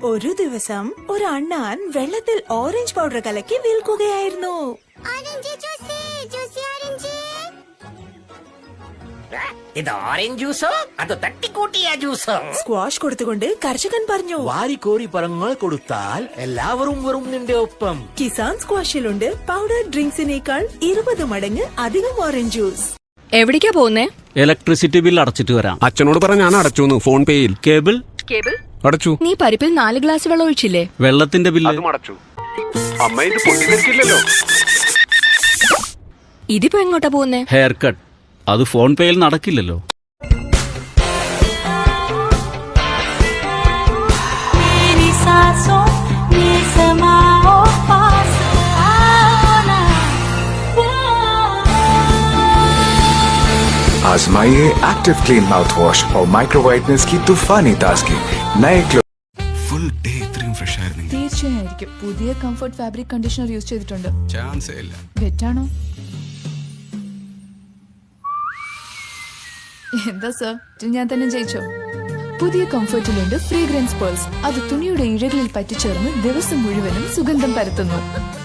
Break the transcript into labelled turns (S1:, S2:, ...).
S1: ഒരു ദിവസം ഒരു അണ്ണാൻ വെള്ളത്തിൽ ഓറഞ്ച് പൗഡർ കലക്കി വിൽക്കുകയായിരുന്നു.
S2: ഇത് ഓറഞ്ച് ജ്യൂസോ അതോ തട്ടിക്കൂട്ടിയ ജ്യൂസോ?
S1: സ്ക്വാഷ് കൊടുത്തുകൊണ്ട് കർഷകൻ പറഞ്ഞു,
S3: വാരിക്കോരി പഴങ്ങൾ കൊടുത്താൽ എല്ലാവരും വരും നിന്റെ ഒപ്പം.
S1: കിസാൻ സ്ക്വാഷിലുണ്ട് പൗഡർ ഡ്രിങ്ക്സിനേക്കാൾ 20 മടങ്ങ് അധികം ഓറഞ്ച് ജ്യൂസ്.
S4: എവിടേക്കാ പോകുന്നേ?
S5: ഇലക്ട്രിസിറ്റി ബിൽ അടച്ചിട്ട് വരാം.
S6: അച്ഛനോട് പറഞ്ഞ ഞാൻ അടച്ചു. ഫോൺ പേയിൽ
S5: കേബിൾ
S6: അടച്ചു.
S4: നീ പരിപ്പിൽ 4 ഗ്ലാസ് വെള്ളം ഒഴിച്ചില്ലേ?
S5: വെള്ളത്തിന്റെ ബില്ല്
S6: അടച്ചു. അമ്മ ഇത് പൊട്ടിത്തെറിക്കില്ലല്ലോ.
S4: ഇതിപ്പോ എങ്ങോട്ടാ പോകുന്നേ?
S5: Hair cut. അത് ഫോൺ പേയിൽ നടക്കില്ലല്ലോ.
S7: आजमाइए एक्टिव क्लीन माउथ वॉश और माइक्रो वाइटनेस की तूफानी ताजगी. नए
S6: ഫുൾ ഡേ ഇത്രയും ഫ്രഷ് ആയിരുന്നു.
S8: തീർച്ചയായിരിക്കും. പുതിയ കംഫർട്ട് ഫാബ്രിക് കണ്ടീഷണർ യൂസ് ചെയ്തിട്ടുണ്ട്.
S6: ചാൻസേ ഇല്ല.
S8: വെറ്റാണോ? എന്താ സർ, ഞാൻ തന്നെ ജയിച്ചോ? പുതിയ കംഫർട്ടിലുണ്ട് ഫ്രീഗ്രൻസ് പേൾസ്. അത് തുണിയുടെ ഇഴകളിൽ പറ്റിച്ചേർന്ന് ദിവസം മുഴുവനും സുഗന്ധം പരത്തുന്നു.